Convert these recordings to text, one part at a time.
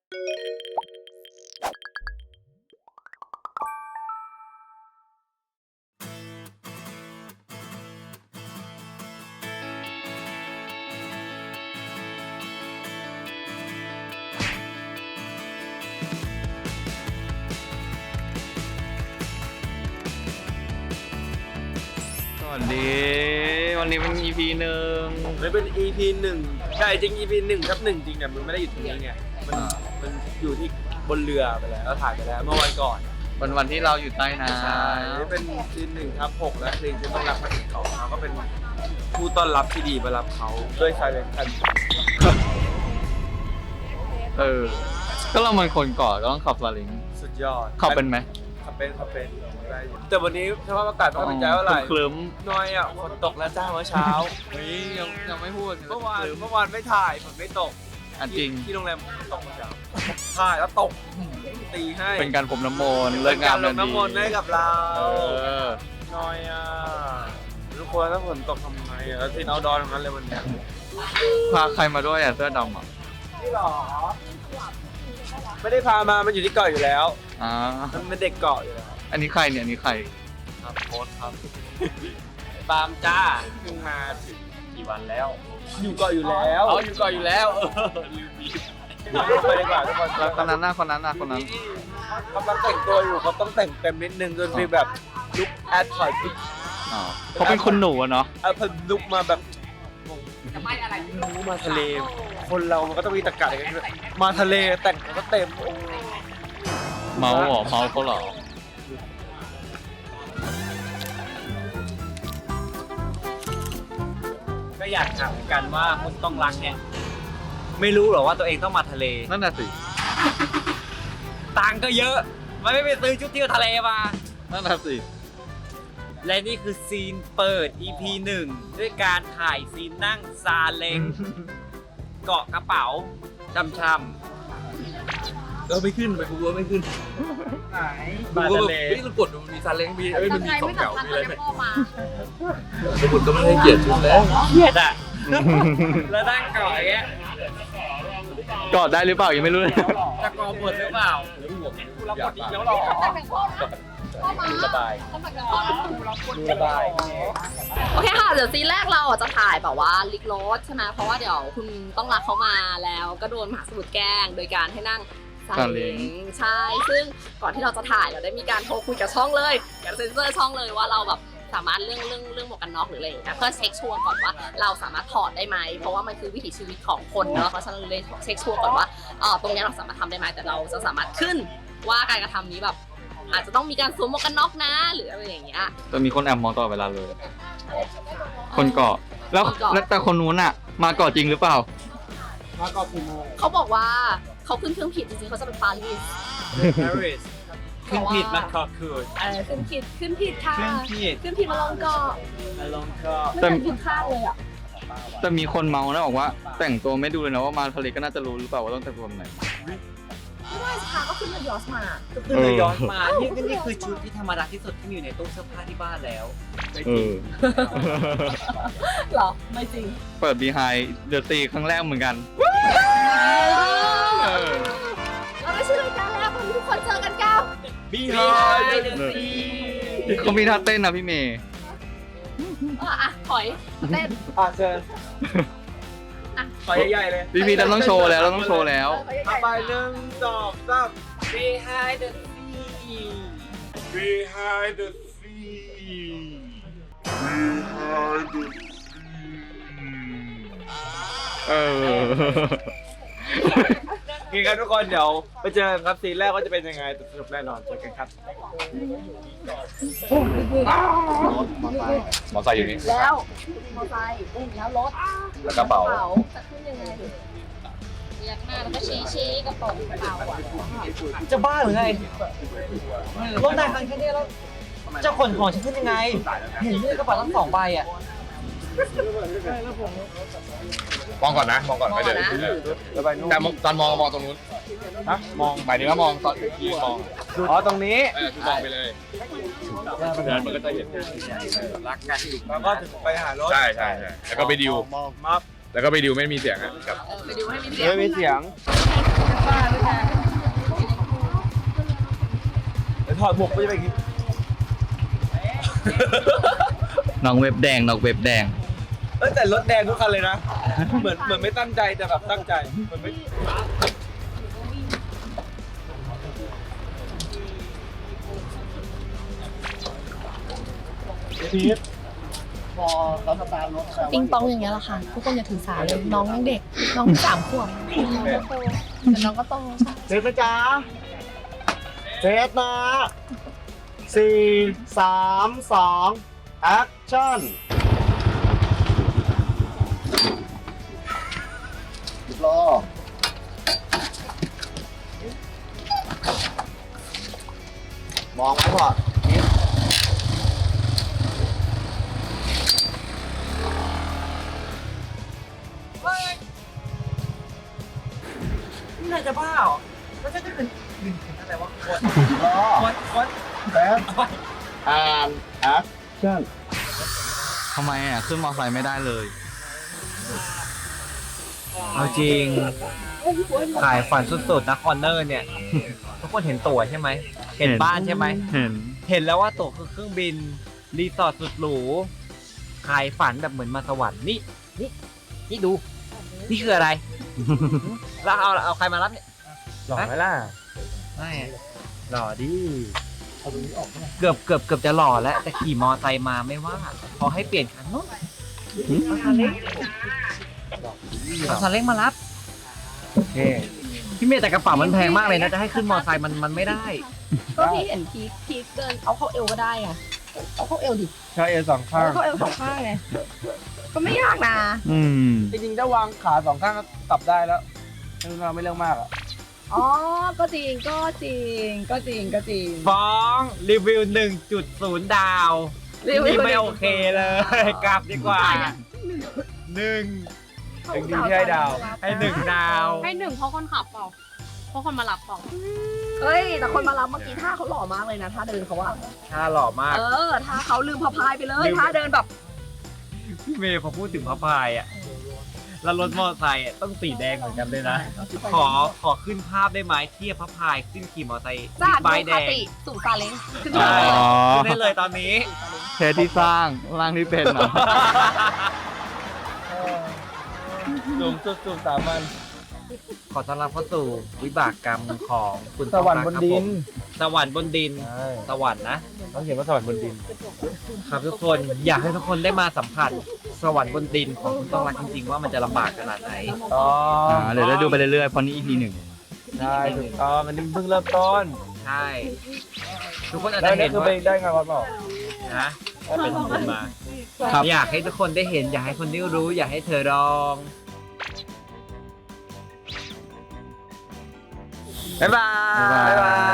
วันนี้เป็น EP 1 มันเป็น EP 1ใช่จริง EP 1/1จริงเนี่ยมันไม่ได้อยู่ตรงนี้ไงมันอยู่ที่บนเรือไปแล้วถ่ายไปแล้วเมื่อวันก่อนวันที่เราอยู่ใต้น้ำใช่เป็นซีน1/6และซีนที่ต้องรักมาถึงเขาเราก็เป็นผู้ต้อนรับที่ดีมารับเขาด้วยชายเลนคันก็เรามันคนเกาะก็ต้องขับซาเล้งสุดยอดขับเป็นไหมขับเป็นได้อยู่แต่วันนี้สภาพอากาศไม่เป็นใจเท่าไหร่คลึ้มน้อยอ่ะฝนตกแล้วจ้าเมื่อเช้าเฮ้ยยังไม่พูดเมื่อวานไม่ถ่ายฝนไม่ตกจริงที่โรงแรมตกเมื่อเช้าถ่ายแล้วตกตีให้เป็นการพรมน้ำมนต์เลิกงามลงน้ำมนต์ให้กับเราอน้อยอ่ะทุกคนถ้าฝนตกทำไงอ่ะแล้วที่เอาดอนตรงนั้นเลยวันเนี้ยพาใครมาด้วยเสื้อดำอ่ะนี่หรอไม่ได้พามามันอยู่ที่เกาะอยู่แล้วมันเป็นเด็กเกาะอยู่แล้วอันนี้ใครเนี่ยอันนี้ใครครับโค้ชครับปาล์มจ้าเพิ่งมาถึงกี่วันแล้ว อยู่เกาะอยู่แล้วอยู่ก่อนอยู่แล้วลืมดีไปดีกว่าทุกคนคนนั้นกำลังแต่งตัวอยู่เขาต้องแต่งเต็มนิดนึงจนมีแบบลุคแอดพอร์ตเขาเป็นคนหนูอะเนาะพอลุคมาแบบมาทะเลคนเรามันก็ต้องมีตะกัดอะไรกันด้วยมาทะเลแต่งก็เต็มเมาเขาเหรอก็อยากถามกันว่าคุณต้องรักเนี่ยไม่รู้หรอว่าตัวเองต้องมาทะเลนั่นน่ะสิตังค์ก็เยอะมันไม่ไปซื้อชุดเที่ยวทะเลมานั่นน่ะสิและนี่คือซีนเปิด EP 1 ด้วยการถ่ายซีนนั่งซาเล้งเกาะกระเป๋าช่ำเราไม่ขึ้นไปกูว่าไม่ขึ้นๆไหนดูก็แบบเฮ้ยเรากดดูมันมีซาเล้งมีมันมีของเก่ามีอะไรไหมทำไมไม่สัมภาษณ์สมุดก็ไม่ให้เกียรติชุดแล้วเครียดอ่ะ แล้วนั่งเกาะอย่างเงี้ยกอดได้หรือเปล่ายังไม่รู้เลยจะกอหมดหรือเปล่าเราปวดอีกแล้วหรอสบายสบายโอเคค่ะเดี๋ยวซีนแรกเราจะถ่ายแบบว่าลิกโรสใช่ไหมเพราะว่าเดี๋ยวคุณต้องรักเขามาแล้วก็โดนมหาสมุทรแกล้งโดยการให้นั่งซาเล้งใช่ซึ่งก่อนที่เราจะถ่ายเราได้มีการโทรคุยกับช่องเลยกับเซ็นเซอร์ช่องเลยว่าเราแบบสามารถเรื่องหมวกกันน็อกหรืออะไรอย่างเงี้ยเพื่อเช็คชัวร์ก่อนว่าเราสามารถถอดได้ไหมเพราะว่ามันคือวิถีชีวิตของคนเนาะเพราะฉะนั้นเลยเช็คชัวร์ก่อนว่าตรงนี้เราสามารถทำได้ไหมแต่เราจะสามารถขึ้นว่าการกระทำนี้แบบอาจจะต้องมีการสวมหมวกกันน็อกนะหรืออะไรอย่างเงี้ยจะมีคนแอบมองตลอดเวลาเลย คนเกาะแล้วแต่คนนู้นอะมาเกาะจริงหรือเปล่ามาก่อนกี่โมงเขาบอกว่าเขาขึ้นเครื่องผิดจริงๆเขาจะไปปารีส Paris ขึ้นผิดมาขอคืนขึ้นผิดค่ะขึ้นผิดขึ้นผิดมาลงเกาะมาลงก็ขึ้นผิดข้างเลยอ่ะแต่มีคนเมานะบอกว่า แต่งตัวไม่ดูเลยนะว่ามาทะเลก็น่าจะรู้หรือเปล่าว่าต้องแต่งตัวแบบไหนไม่ได้ค่ะก็ขึ้นเรือยอชต์มาก็คือเลยย้อนมา นี่คือชุดที่ธรรมดาที่สุดที่มีอยู่ในตู้เสื้อผ้าที่บ้านแล้วไม่จริงเหรอไม่จริงเปิด Behind the Sea ครั้งแรกเหมือนกันเราได้ชื่อรายการแล้ววันนี้ทุกคนเจอกันก้าว Behind the เออ Sea เขามีท่าเต้นนะพี่เมย์ถอยมาเต้นเชิญขอใหญ่ๆเลยพี่เราต้องโชว์แล้วเราต้องโชว์แล้วไป1 2 3 Behind the Sea Behind the sea Behind the sea โอเคครับทุกคนเดี๋ยวไปเจอกันครับซีนแรกว่าจะเป็นยังไงแต่สนุกแน่นอนเจอกันครับมอไซค์อยู่นี่แล้วมอไซค์แล้วรถแล้วกระเป๋าจะขึ้นยังไงเรียกหน้าแล้วก็ชี้กระเป๋ากระเป๋าอ่ะจะบ้าหรือไงรถนายคันแค่นี้แล้วจะขนของฉันขึ้นยังไง เห็นด้วยกระเป๋าทั้ง2 ใบอ่ะมองก่อนนะมองก่อนไม่เดินแล้วไปนู่นแต่ตอนมองตรงนู้นมองหมายถึงว่ามองตอนยืนมองตรงนี้คือมองไปเลยเดินมันก็จะเห็นรักกันแล้วก็ถึงไปหารถใช่แล้วก็ไปดิวมัฟแล้วก็ไปดิวไม่มีเสียงอะครับไปดูให้มีเสียงไม่มีเสียงไเดี๋ยวถอดหมวกก็จะเป็นอย่างนี้น้องเว็บแดงน้องเว็บแดงแต่รถแดงทุกคันเลยนะ เหมือนไม่ตั้งใจแต่แบบตั้งใจเหมือนไม่ปิงปองอย่างเงี้ยแหละค่ะ ทุกคนอย่าถือสาเลยน้องยังเด็ก น้อง3 ขวบแต่น้องก็โตเซตนะจ๊ะเซตนะ4 3 2 แอคชั่นรอมองไว้ก่อนนิดนี่นายจะบ้าเหรอแล้วจะเป็นอะไรวะรอคนแซดแอนแอคชั่นทำไมอ่ะ ขึ้นมอไซค์ไม่ได้เลยเอาจริงขายฝันสุดๆนะคอนเนอร์เนี่ย ทุกคนเห็นตั๋วใช่ไหม เห็นบ้านใช่ไหมเห็นเห็นแล้วว่าตั๋วคือเครื่องบิน รีสอร์ทสุดหรูขายฝันแบบเหมือนมาสวรรค์นี่ดู นี่คืออะไร แล้วเอาใครมารับเนี่ยหล่อไหมล่ะไม่หล่อดิเกือบจะหล่อแล้วแต่ขี่มอไซค์มาไม่ว่าพอให้เปลี่ยนคันนู้นเอาซาเล้งมารับโอเคพี่เมย์แต่กระเป๋ามันแพงมากเลยนะจะให้ขึ้นมอไซค์มันไม่ได้ก็พี่เห็นพีคเดินเอาเข้าเอวก็ได้อะเอาเข้าเอวดิใช่เอสองข้างเอาเข้าเอว2 ข้างไงก็ไม่ยากนะอืมจริงๆถ้าวางขา2 ข้างก็ปรับได้แล้วไม่เรื่องมากอ่ะอ๋อก็จริงฟ้องรีวิว 1.0 ดาวนี่ไม่โอเคเลยกลับดีกว่าหนึ่งเป็นดีที่ให้ดาวให้1 ดาวให้1เพราะคนขับเปล่าเพราะคนมารับเปล่าเฮ้ยแต่คนมารับเมื่อกี้ท่าเขาหล่อมากเลยนะท่าเดินเขาอะถ้าหล่อมากท่าเขาลืมพะพายไปเลยลืมท่าเดินแบบพี่เมย์พอพูดถึงพระพายอ่ะแล้วรถมอเตอร์ไซค์อะต้องสีแดงเหมือนกันเลยนะ ขอขึ้นภาพได้ไหมเทียบพระพายขึ้นขี่มอเตอร์ไซค์จากใบดูแดคาง ติสู่ซาเล้งขึ้นอ๋มาอเลยขึ้นได้เลยตอนนี้เทสที่สร้างร่างที่เป็นเหรอสูงสุด3 วันขอต้อนรับเข้าสู่วิบากกรรมของคุณสวรรค์บนดินสวรรค์บนดินใช่สวรรค์นะต้องเขียนว่าสวรรค์บนดินครับทุกคนอยากให้ทุกคนได้มาสัมผัสสวรรค์บนดินของคุณต้องรักจริงๆว่ามันจะลำบากขนาดไหนเดี๋ยวได้ดูไปเรื่อยๆเพราะนี่ EP 1 ใช่ถูกต้องมันเพิ่งเริ่มต้นใช่ ทุกคนอาจได้จะเนี่เห็ยนคือว่าไปได้งานวัดเปล่านะเป็นทำบุญมาครับอยากให้ทุกคนได้เห็น อยากให้คนได้รู้ อยากให้เธอลองบ๊ายบายบ๊ายบาย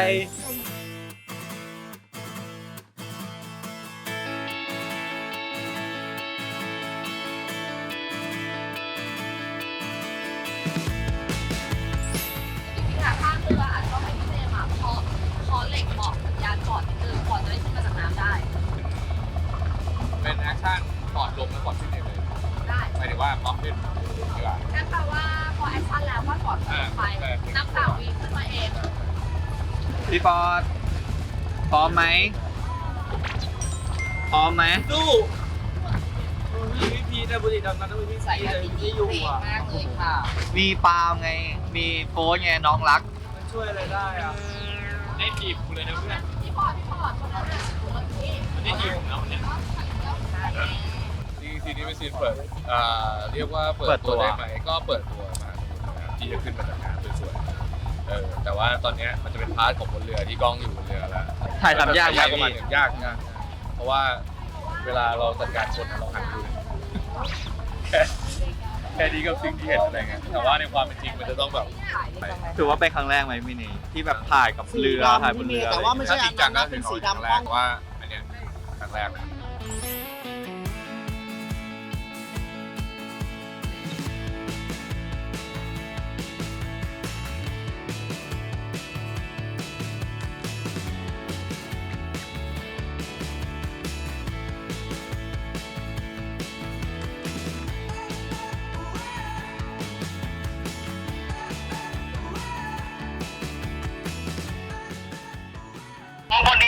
ค่ะข้างเรืออาจจะต้องให้พี่เจมส์เคาะเหล็กบอกสัญญาณก่อนนิดนึงก่อนจะได้ขึ้นมาจากน้ำได้เป็นแอคชั่นก่อนลงและก่อนขึ้นเลยได้หมายถึงว่าพร้อมขึ้นดีกว่านั่นแปลว่าพอแอคชั่นแล้วว่าก่อนขึ้นไปนับ3 วิขึ้นมาเองพี่ฟอร์ดพร้อมไหมพร้อมไหมสู้พี่พีนะบุรีดำน้ำต้องมีพี่ใส่พีกระเลยดิ่งที่อยู่เก่งอ่ะมากเลยค่ะมีปาล์มไง มีโฟนไงน้องรักมันช่วยอะไรได้อ่ะได้ทีมกูเลยนะเพื่อนพี่ปอดคนนั้นน่ะคนที่ได้ทีมของเราเนี่ย ซีนนี้เป็นซีนเปิดเรียกว่าเปิดตัวได้ไหมก็เปิดตัวมาที่จะขึ้นมาจากน้ำสวยๆแต่ว่าตอนนี้มันจะเป็นพาร์ทของบนเรือที่กล้องอยู่บนเรือแล้วถ่ายทำยากไหมประมาณพี่หนึ่งยากเพราะว่าเวลาเราจัดการคนเราหันดูแค่นี้ก็สิ่งที่เห็นอะไรเงี้ยแต่ว่าในความเป็นจริงมันจะต้องแบบถือว่าเป็นครั้งแรกไหมพี่นี่ที่แบบถ่ายกับเรือถ่ายบนเรืออะไรแต่ว่าไม่ถ้าใช่จอัรินงจันั้งนก็นะคืเป็อน เขาสีครั้งดำแรกล้อก งว่าอันเนี้ยครั้งแรกนะ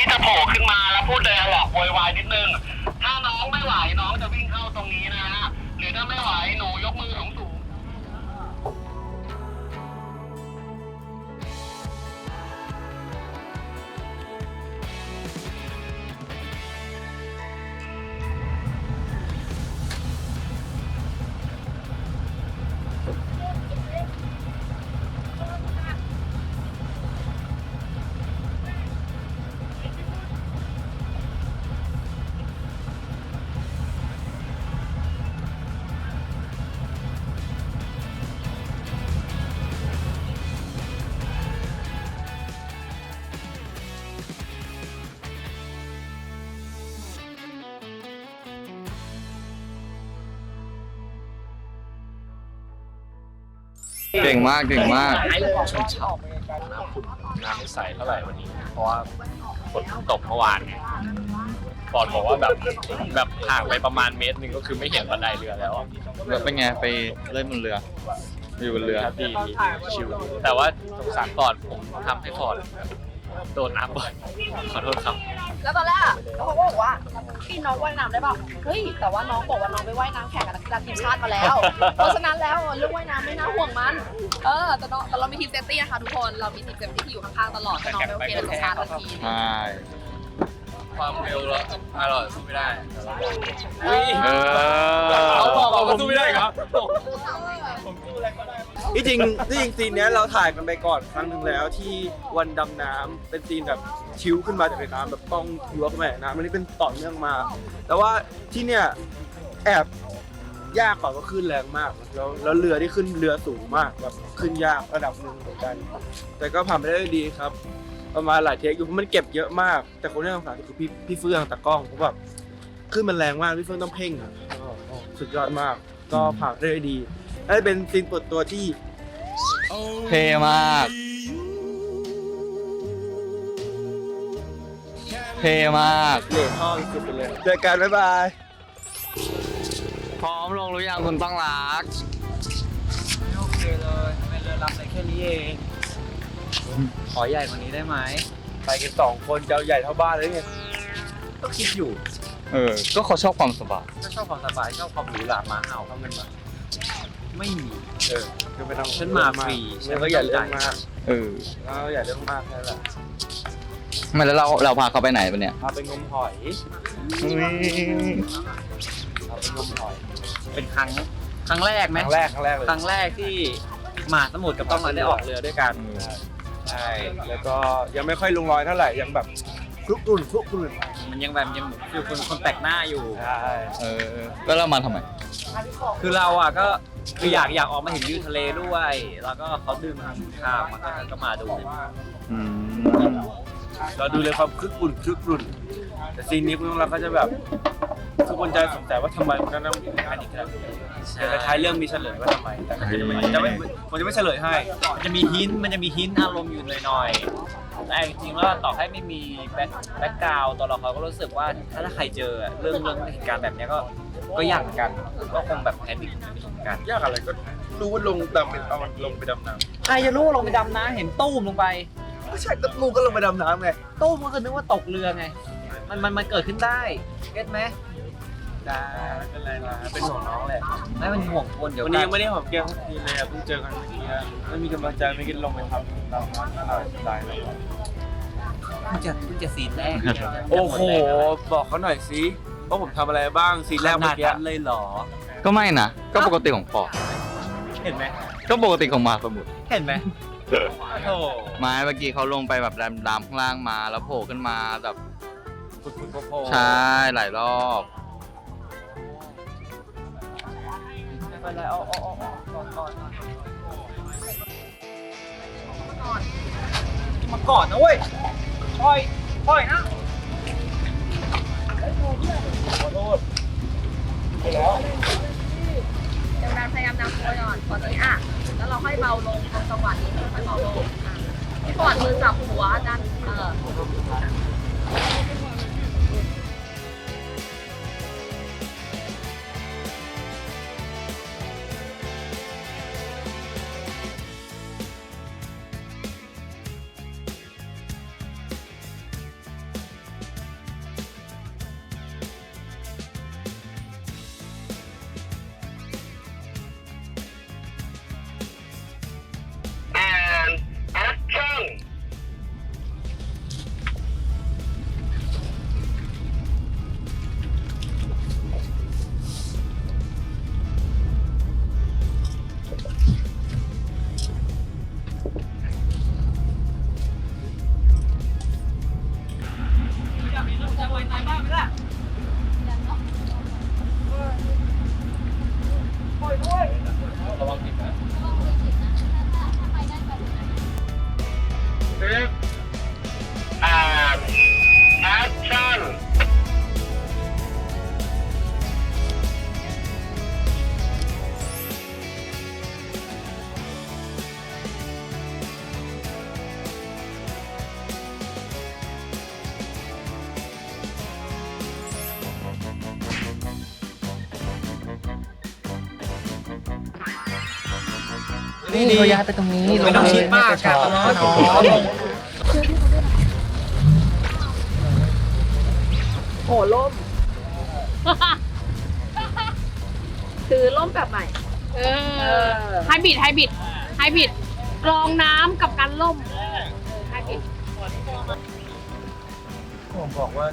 นี้จะโผล่ขึ้นมาแล้วพูดเลยหลอกโวยวายนิดนึง ถ้าน้องไม่ไหวน้องจะวิ่งเข้าตรงนี้นะฮะ หรือถ้าไม่ไหวหนูยกมือสูงเก่งมากเก่งมากน้ำขุ่นน้ำไม่ใสเท่าไหร่วันนี้ เพราะว่าฝนตกเมื่อวานไงฟอร์ดบอกว่าแบบห่างไปประมาณเมตรหนึ่งก็คือไม่เห็นบันไดเรือแล้วอะแล้วเป็นไงไปเล่นบนเรืออยู่บนเรือครับดีชิวแต่ว่าสงสารฟอร์ดผมทำให้ฟอร์ดโดนน้ำบ่อยขอโทษครับแล้วตอนแรกเขาก็บอกว่าพี่น้องว่ายน้ำได้เปล่าเฮ้ยแต่ว่าน้องบอกว่าน้องไปว่ายน้ำแข่งกับนักกีฬาทีมชาติมาแล้ว เพราะฉะนั้นแล้วเรื่องว่ายน้ำไม่น่าห่วงมันแต่เรามีทีมเซฟตี้นะคะทุกคนเรามีทีมเซฟตี้ที่อยู่ข้างๆตลอดถ้าน้องไม่โอเคเราจะชาร์จทันทีใช่ความเร็วแล้วอร่อยสู้ไม่ได้เขาบอกว่าผมสู้ไม่ได้ครับ ที่จริงซีนเนี้ยเราถ่ายกันไปก่อนครั้งหนึ่งแล้วที่วันดำน้ำเป็นซีนแบบชิวขึ้นมาจากในน้ำแบบต้องยั่วขึ้นมาจากน้ำอันนี้เป็นต่อเนื่องมา แต่ว่าที่เนี่ยแอบยากกว่าก็ขึ้นแรงมากแล้วเรือที่ขึ้นเรือสูงมากแบบขึ้นยากระดับหนึ่งเหมือนกัน แต่ก็ผ่านไปได้ด้วยดีครับ ประมาณหลายเทคอยู่เพราะมันเก็บเยอะมาก แต่คนที่สงสารคือพี่เฟื่องตากล้องเพราะแบบขึ้นมันแรงมากพี่เฟื่องต้องเพ่งอะสุดยอดมากก็ผ่านได้ด้วยดีและเป็นซีนเปิดตัวที่เท่มากเท่มากเหลือท่อสุดไปเลยเจอกันบ๊ายบายพร้อมลงหรือยังคุณต้องรักไม่โอเคเลยทำไมเรือลำได้แค่นี้เองขอใหญ่กว่านี้ได้ไหมไปกัน2 คนจะเอาใหญ่เท่าบ้านเลยไงก็คิดอยู่ก็เขาชอบความสบายถ้าชอบความสบายชอบความหรูหรามาเอาเขาเงินมาไม่มีคือไปทำฉันมาฟรีฉันก็อย่าเรื่องมากเออแล้วอย่าเรื่องมากแค่นั้นแหละไม่แล้วเราพาเขาไปไหนปะเนี่ยพาไปงมหอยพาไปงมหอยเป็นครั้งแรกไหมครั้งแรกเลยครั้งแรกที่มหาสมุทรกับต้องมาได้ออกเรือด้วยกันใช่แล้วก็ยังไม่ค่อยลงรอยเท่าไหร่ยังแบบคลุกรุ่นมันยังแบบยังอยู่คนแปลกหน้าอยู่ใช่แล้วเรามาทำไมคือเราอ่ะก็คืออยากออกมาเห็นวิวทะเลด้วย แล้วก็เขาดึงข้ามมาก็มาดูเราดูเลยความคลุกรุ่นแต่ซีนนี้คุณเราก็จะแบบทุกคนจะสงสัยว่าทำไมมันต้องมีแพนิคกันแต่ท้ายเรื่องมีเฉลยว่าทำไมแต่มันจะไม่เฉลยให้มันจะมีหินอารมณ์อยู่หน่อยๆแต่จริงๆแล้วต่อให้ไม่มีแบ็คกราวด์ตัวเราเขาก็รู้สึกว่าถ้าใครเจอเรื่องเหตุการณ์แบบนี้ก็ยากเหมือนกันก็คงแบบแพนิคเหมือนกันยากอะไรก็รู้ว่าลงดำเป็นเอาลงไปดำน้ำใครจะรู้ลงไปดำน้ำเห็นตู้มลงไปไม่ใช่ก็มูก็ลงไปดำน้ำไงตู้มก็คือนึกว่าตกเรือไงมันเกิดขึ้นได้เก็ตไหมได้ไม่เป็นไรนะเป็นห่วงน้องแหละไม่เป็นห่วงคนเดี๋ยววันนี้ยังไม่ได้หอมแก้มสักทีเลยเพิ่งเจอกันเมื่อกี้ไม่มีกำลังใจไม่กินลงไปทำดำน้ำอะไรได้เลยเพิ่งจะซีนแรกโอ้โหบอกเขาหน่อยสิว่าผมทำอะไรบ้างซีนแรกขเมื่นาอดกี้นั้นเลยเหรอก็ไม่นะ ก็ปกติของปอเห็นไหมก็ปกติของมหาสมุทรเห็นไหมโอ้ไม้เมื่อกี้เขาลงไปแบบดำข้างล่างมาแล้วโผล่ขึ้นมาแบบคุณโพใช่หลายรอบไม่เป็นไรก่อนมาก่อนนะเว้ยปล่อยนะขอโทษไปแล้วเดี๋ยวเราพยายามนำตัวก่อนตอนนี้แล้วเราค่อยเบาลงตรงจังหวะนี้ค่อยเบาลงพี่ปอดมือจับหัวดัน and action นี่เขาย้ายไปตรงนี้ไม่ต้องชิดมากครับน้องโหล่ม คือล่มแบบใหม่ไฮบริดกรองน้ำกับการล่มไฮบริดผมบอกว่า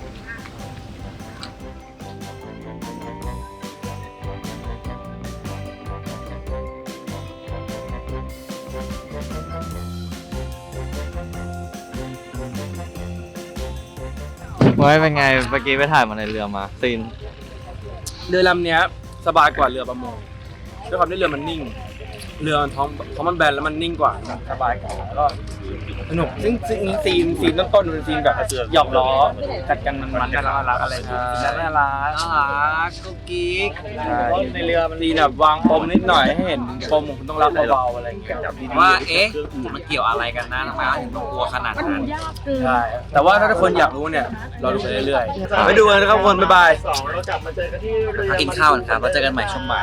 ไว้เป็นไงเมื่อกี้ไปถ่ายมาในเรือมาซีนเรือลำเนี้ยสบายกว่าเรือประมงด้วยความที่เรือมันนิ่ง เรือมันท้องมันแบนแล้วมันนิ่งกว่าสบายกว่าแล้วก็สนุกซึ่งซีนต้นๆเป็นซีนแบบหยอกล้อกัดกันมันน่ารักอะไรน่ารักกุ๊กกิ๊กในเรือมันซีนแบบวางปมนิดหน่อยให้เห็นปมของคุณต้องรับเบาๆอะไรอย่างเงี้ยว่าเอ๊ะมันเกี่ยวอะไรกันนะทำไมถึงต้องกลัวขนาดนั้นใช่แต่ว่าถ้าทุกคนอยากรู้เนี่ยเราดูไปเรื่อยๆไปดูกันนะครับทุกคนบ๊ายบายกินข้าวกันครับแล้วเจอกันใหม่ช่วงบ่าย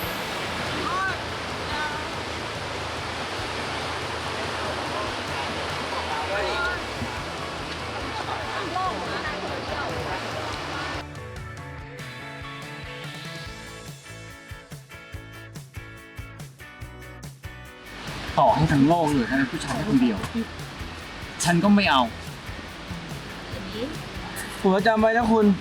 ต่อให้ทั้งโลกเหลือแค่ผู้ชายแค่คนเดียว ฉันก็ไม่เอาผมจำไว้นะคุณ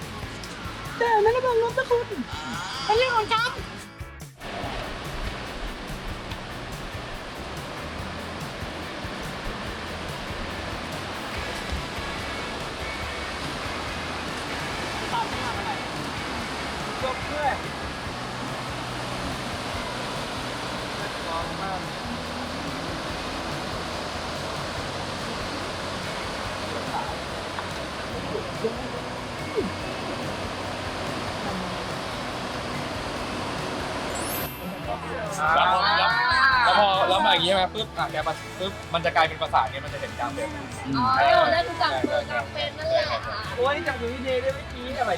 แล้วพอแล้วมาอย่างนี้ใช่ไหมปุ๊บแกปุ๊บมันจะกลายเป็นประสาทไงมันจะเห็นกลางเป็นอ๋อเล่นจับมือกับเป็นนั่นแหละค่ะโอ้ยจับอยู่ที่เดย์ได้ไม่กี้อะไร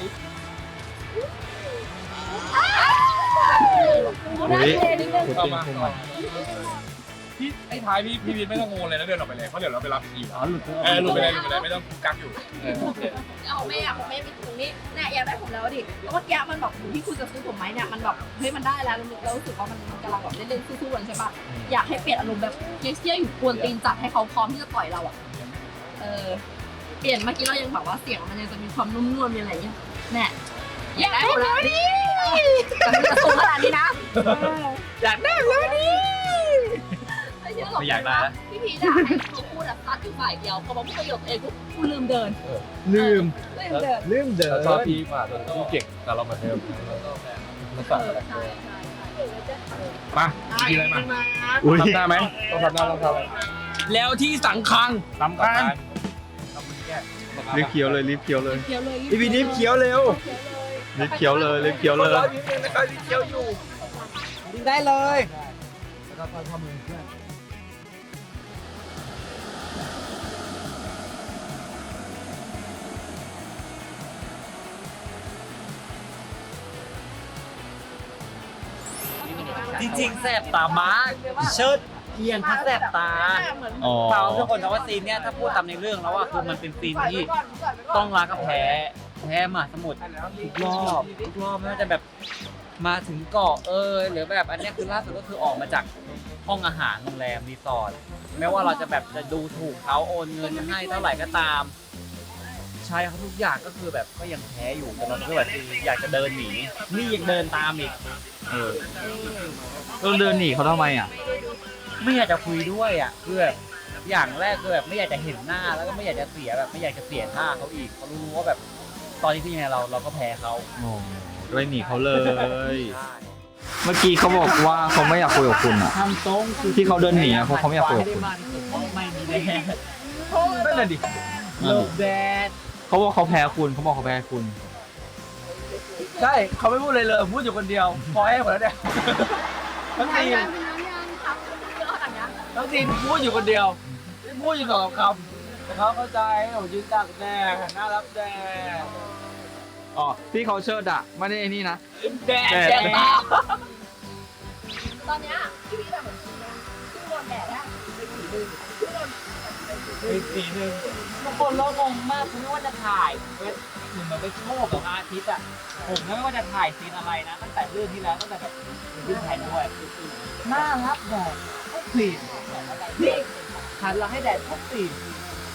เข้ามาพี่ไอ้ท้ายพี่วินไม่ต้องงงเลยแล้วเดินออกไปเลยเพราะเดี๋ยวเราไปรับอีกหลุดไปเลยไม่ต้องกักอยู่เอาแม่มีตรงนี้เนี่ยอยากได้ผมแล้วดิแล้วเมื่อกี้มันแบบที่คุณจะซื้อผมไหมเนี่ยมันแบบเฮ้ยมันได้แล้วเรารู้สึกว่ามันกำลังแบบเล่นๆสู้ๆกันใช่ปะอยากให้เปลี่ยนอารมณ์แบบเจี๊ยบอยู่กวนตีนจัดให้เขาพร้อมที่จะต่อยเราอ่ะเปลี่ยนเมื่อกี้เรายังแบบว่าเสียงมันยังจะมีความนุ่มนวลมีอะไรเงี้ยแน่อยากได้ผมแล้วดิแต่มันจะสูงขนาดนี้นะอยากได้แล้วดิไม่อยากได้พี่พีด่าให้เขาพูดแบบตัดอยู่ฝ่ายเดียวพอมาพูดประโยคเองกูลืมเดินลืมเดินชอบพี่มากพี่เก่งแต่เราเหมือนเดิมมาสั่งอะไรมากินอะไรมาทำหน้าไหมต้องทำหน้าต้องทำอะไรแล้วที่สังคังทำกันรีบเคี้ยวเลยรีบเคี้ยวเลยอีพีนี้เขียวเร็วรีบเคี้ยวเลยรีบเคี้ยวเลยรอนิดนึงนะครับที่เขียวอยู่กินได้เลยจริงๆแสบตามากเชิดเพียงถ้าแสบตาอ๋อเปล่าทุกคนนะว่าซีนเนี้ยถ้าพูดตามในเรื่องแล้วว่าคือมันเป็นซีนที่ต้องรักกับแพ้มหาสมุทรทุกรอบไม่ว่าจะแบบมาถึงเกาะหรือแบบอันเนี้ยคือล่าสุดก็คือออกมาจากห้องอาหารโรงแรมรีสอร์ทแม้ว่าเราจะแบบจะดูถูกเขาโอนเงินให้เท่าไหร่ก็ตามใช่เขาทุกอย่างก็คือแบบก็ยังแพ้อยู่แต่เราก็แบบอยากจะเดินหนีนี่ยังเดินตามอีกเราเดินหนีเขาทำไมอ่ะไม่อยากจะคุยด้วยอ่ะคือแบบอย่างแรกคือแบบไม่อยากจะเห็นหน้าแล้วก็ไม่อยากจะเสียแบบไม่อยากจะเสียท่าเขาอีกเขารู้ว่าแบบตอนนี้ที่ยังไงเราก็แพ้เขาโอ้ไม่หนีเขาเลย เมื่อกี้เขาบอกว่าเขาไม่อยากคุยกับคุณอ่ะทำตรงที่เขาเดินหนีอะเพราะเขาไม่อยากคุยกับคุณไม่มีแน่นั่นแหละดิหลบแดดเขาบอกเขาแพ้คุณเขาบอกเขาแพ้คุณใช่เขาไม่พูดเลยเลยพูดอยู่คนเดียวพอแห้หมดแล้วเนี่ยทั้งทีมทั้งทีมพูดอยู่คนเดียวพูดอยู่สองคำแต่เขาเข้าใจผมยืนตากแดดน่ารับแดดอ๋อที่เขาเชิดอะไม่ได้ไอ้นี่นะแดดแดดแดดตาตอนเนี้ยพี่แบบเหมือนพี่นะพี่โดนแดดอะสีหนึ่งบางคนเรางงมากคือไม่ว่าจะถ่ายเป็นเหมือนไปโชว์กับอาทิตย์อ่ะผมนะไม่ว่าจะถ่ายซีนอะไรนะตั้งแต่เรื่องที่แล้วตั้งแต่แบบขึ้นแทนด้วยน่ารับแดดทุกซีนนี่หันหลังให้แดดทุกซีน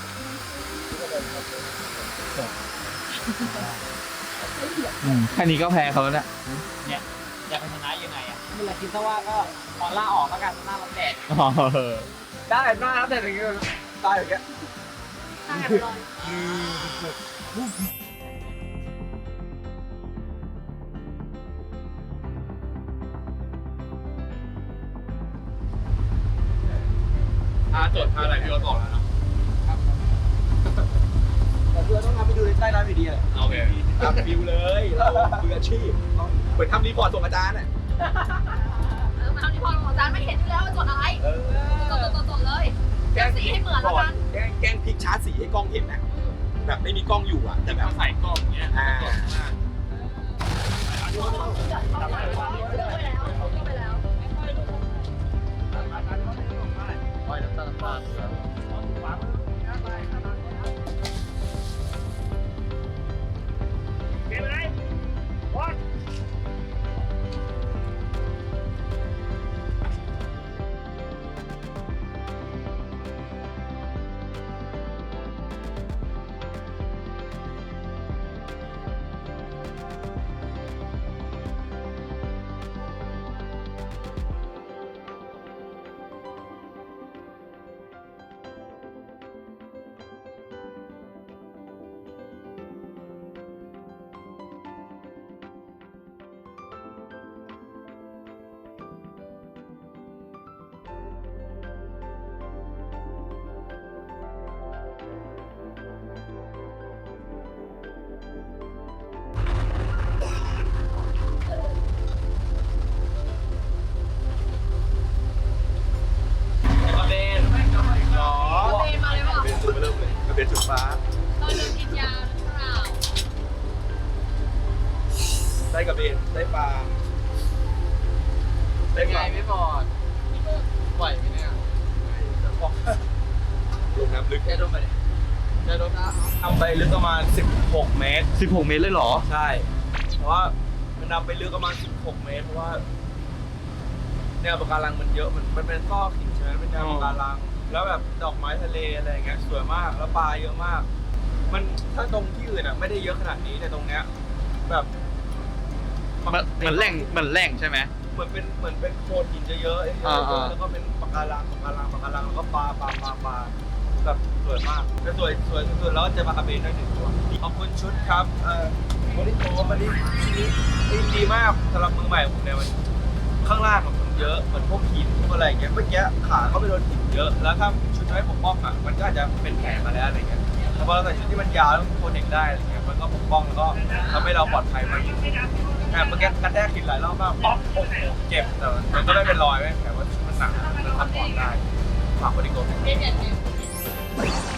แค่นี้ก็แพ้เขาแล้วเนี่ยเนี่ยอยากเป็นชนะยังไงอ่ะเมื่อไหร่คิดซะว่าก็พอล่าออกแล้วกันหน้ารับแดดอ๋อได้หน้ารับแดดอย่างเงี้ยตายอย่างเงี้ยตายไปเลยโจทย์ท่าอะไรพี่ก็บอกแล้วเนาะแต่เพื่อต้องทำให้ดูในใต้น้ำอยู่ดีแหละโอเคทำฟิวเลยเรามืออาชีพเหมือนทำรีพอร์ตส่งอาจารย์น่ะมาทำที่พอของอาจารย์ไม่เห็นอยู่แล้วว่าจดอะไรจดเลยแกสีให้เหมือนแล้วกันแกล้งพลิกชาร์จสีให้กล้องเห็นนะแบบไม่มีกล้องอยู่อ่ะแต่แบบใส่กล้องเนี้ยเบนหรอเบนมาเลยเปล่าเป็นจุดเริ่มเลยมันเป็นจุดฟ้าตอนเดินกินยาหรือเปล่าได้กระเบนได้ปลาได้ปลาไม่บอดไหวไหมเนี่ยลงน้ำลึกแค่ลงไปแค่ลงน้ำทำไปลึกประมาณ16 เมตร 16 เมตรเลยเหรอใช่ เพราะว่ามันนำไปลึกประมาณ16 เมตร เพราะว่าแนวปะการังมันเยอะมันเป็นซอกหินใช่ไหมเป็นแนวปะการัง แล้วแบบดอกไม้ทะเลอะไรอย่างเงี้ยสวยมากแล้วปลาเยอะมาก มันถ้าตรงที่อื่นอ่ะไม่ได้เยอะขนาดนี้แต่ตรงเนี้ยแบบเหมือนแหล่งใช่ไหมเหมือนเป็นโขดหินเยอะๆแล้วก็เป็นปะการังแล้วก็ปลาแบบสวยมากแล้วสวยสุดๆแล้วก็เจอปลากระเบนด้วย1 ตัวขอบคุณชุดครับบริโภคมันดีมากสำหรับมือใหม่ผมเนี่ยมันข้างล่างมันเยอะเหมือนพวกหินพวกอะไรอย่างเงี้ยเมื่อกี้ขาเขาไปโดนหินเยอะแล้วถ้าชุดไม่ปกป้องอ่ะมันก็อาจจะเป็นแผลมาแล้วอะไรเงี้ยแต่พอเราใส่ชุดที่มันยาวแล้วมันโปรเทคได้อะไรเงี้ยมันก็ปกป้องแล้วก็ทำให้เราปลอดภัยมากยิ่งขึ้นเมื่อกี้กระแทกหินหลายรอบมากป๊อกเจ็บแต่มันก็ไม่เป็นรอยไหมแต่ว่ามันหนักมันทำปอดได้ฝากบริโภคเบน